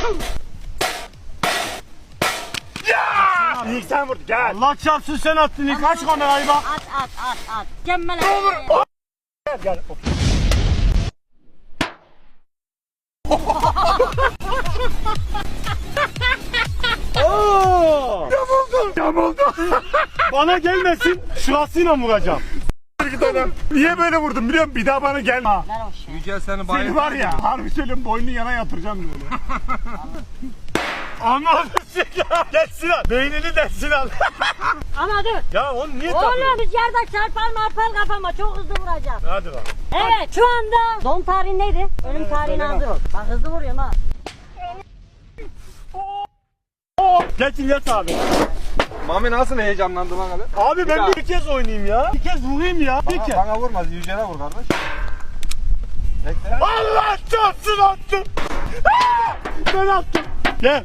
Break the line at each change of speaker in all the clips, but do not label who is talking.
Ya! İlk sen vurdun gel.
Allah çarpsın sen attın ilk. Aç kamerayı bak.
At. Cemmel
Gel.
Oo!
Yamuldu.
Bana gelmesin. Şurasıyla vuracağım.
Niye böyle vurdun biliyor musun? Bir daha bana gelme.
Yücel seni
Seni
bayıldı.
var ya harbi söylüyorum boynunu yana yatıracağım böyle.
Anladın ya. Gel Sinan. Beynini de Sinan.
Ama dur.
Ya onu niye takıyorsun?
Oğlum biz yerden çarpar kafama çok hızlı vuracağım.
Hadi bak.
Evet şu anda doğum tarihin neydi? Ölüm tarihini hazır ol. Bak hızlı vuruyorum ha.
Geçin yat abi.
Mami nasıl heyecanlandı lan hele?
Abi ben bir kez oynayayım ya. Bir kez vurayım ya. Bir kez.
Bana vurmaz, Yücel'e vur kardeş. Bekle.
Allah çarpsın attım. Ben attım. Gel.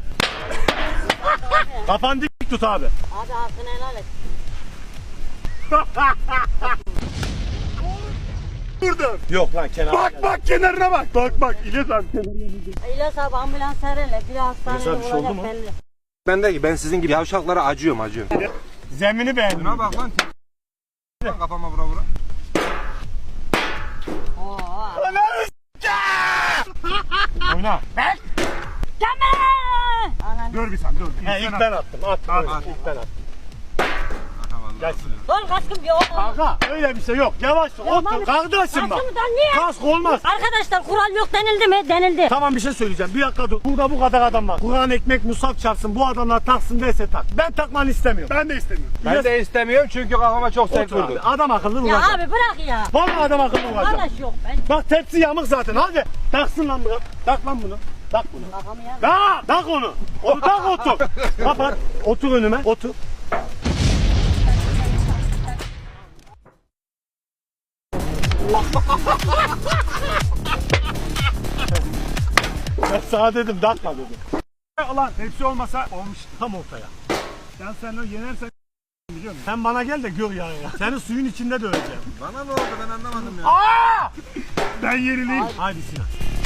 Kafanı dik tut abi.
Abi hakkını helal et.
Vurdum.
Yok lan kenara.
Bak kenarına bak. Bak İlyas abi kenarına.
İlyas abi ambulans herele. Bir hastanede
İlyas abi, bir şey oldu
olacak
mu?
belli.
Ben sizin gibi yavşaklara acıyorum.
Zemini beğendim.
Buna bak lan. Kafama vura vura.
Oo.
Oyna.
Cemmel! Anan.
Dur bir saniye dur.
He ilk ben attım. At.
At.
İlk ben attım.
Gel.
Dur kaskım yok.
Kanka öyle bir şey yok. Yavaş dur. Otur.
Mami,
Kardeşim bak.
kaskımdan niye?
Kask olmaz.
Arkadaşlar kural yok denildi mi? Denildi.
Tamam bir şey söyleyeceğim. Bir dakika dur. Burada bu kadar adam var. Kur'an ekmek musaf çarpsın. Bu adamlar taksın dese tak. Ben takmanı istemiyorum.
Ben de istemiyorum.
Ben de istemiyorum çünkü kafama çok sert
Otur abi.
vurdu.
Adam akıllı
Ya
vuracak.
abi bırak ya.
Vallahi adam akıllı vuracak.
Arkadaş yok ben.
Bak tepsi yamuk zaten. Hadi. Taksın lan bunu. Tak lan bunu. Tak bunu.
Kafamı yer.
Tak onu. Onu tak otur. Kapat. Otur önüme. Otur. Ben sana dedim takma dedim.
Ulan hepsi olmasa olmuş.
Tam ortaya.
Sen onu yenersen biliyor musun?
Sen bana gel de gör yani. Seni suyun içinde döveceğim.
Bana ne oldu ben anlamadım ya.
Aa!
Ben yenileyim.
Haydi Sinan.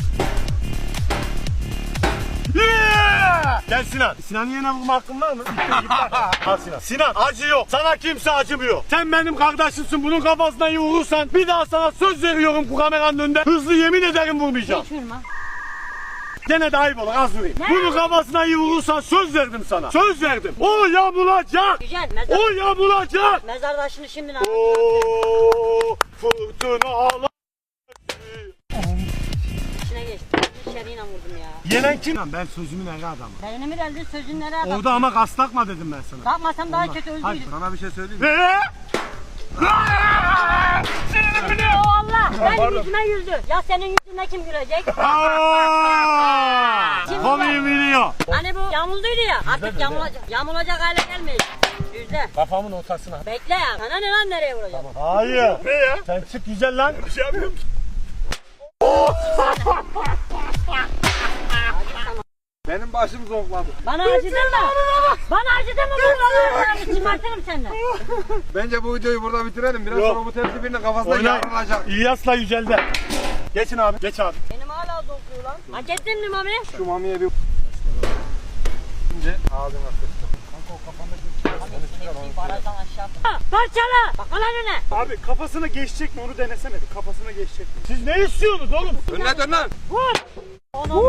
Yeah! Gel Sinan. Sinan'ın yerine vurma hakkın var mı? Al Sinan. Sinan acı yok. Sana kimse acımıyor. Sen benim kardeşimsin. Bunun kafasına iyi vurursan bir daha sana söz veriyorum bu kameranın önünde. Hızlı yemin ederim vurmayacağım.
Hiç vurma.
Gene de ayıp olur az vurayım. Bunun kafasına iyi vurursan söz verdim sana. Söz verdim. O yamulacak.
Güzel.
O yamulacak.
Mezar taşını şimdi ne?
Ooo fırtınalar.
İçine geçtim. İçeriğine vurdum ya.
Yenen kim? Ben sözümün eri adamı.
Beynimi mi deldi sözün nereye bak.
Orada ama gaz takma dedim ben sana.
Yapmasam daha kötü öldüydüm.
Sana bir şey söyleyeyim mi?
O Allah. Benim yüzüme güldü. Ya senin yüzüne kim gülecek?
Komiği biliyor.
Hani bu yamulduğuydu ya. Artık yamulacak. Yamulacak hale gelmeyiz. Yüzde.
Kafamın ortasına.
Bekle ya. Sana ne lan nereye vuracağım?
Hayır. Ne ya? Sen çık güzel lan.
Bir şey yapmıyorum.
Benim başım zonkladı.
Bana acıdın mı? Bana acıdın mı? Bana çımartırım senden.
Bence bu videoyu burada bitirelim. Biraz
Yok.
sonra bu tepsi birinin kafasına
Oyna.
yarılacak.
İlyas'la Yücel'de. Geçin abi. Geç abi.
Benim hala dokuyor lan. Hak ettin mi Mami?
Şu mamiye bir... Şimdi ağzına sıktım.
Barajdan aşağı. Parçala. Bak lan önüne.
Abi kafasına geçecek mi onu denesene bir. Kafasına geçecek mi?
Siz ne istiyorsunuz oğlum?
Önüne dön lan.
Vur. Onu.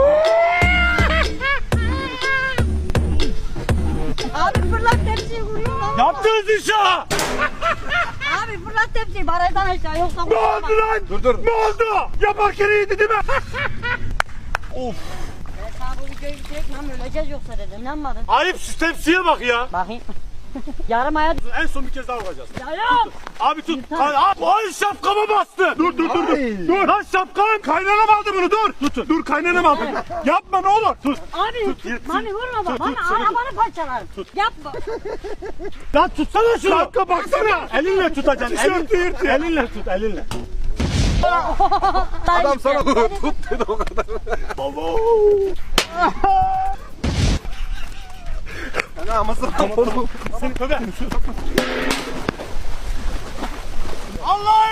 Abi fırlat tepsiyi vuruyor lan.
Yaptığınız işe.
Abi fırlat tepsiyi barajdan aşağı yoksa
Ne oldu lan?
Dur.
Ne oldu? Yaparken iyiydi değil mi?
Of.
Ben sana bu videoyu bitirek lan öleceğiz yoksa dedim. İnanmadın.
Ayıp şu tepsiye bak ya.
Bakayım. Yarım aya
En son bir kez daha vuracağız.
ya yok.
Abi tut. Ay şapkama bastı.
Dur. Dur.
Lan şapkan.
Kaynanam aldı bunu dur.
Tutun.
Dur kaynanam aldı. Yapma ne olur.
Tut.
Abi
yırtsın.
Mami vurma bak.
Tut,
Bana
seni
arabanı parçalarım. Yapma.
Lan tutsana şunu.
Kanka baksana.
Elinle tutacaksın.
Tişörtü yırtıyor.
Elinle tut elinle.
Adam sana tut dedi o kadar. Ana mısır.
Seni köpek. Allah!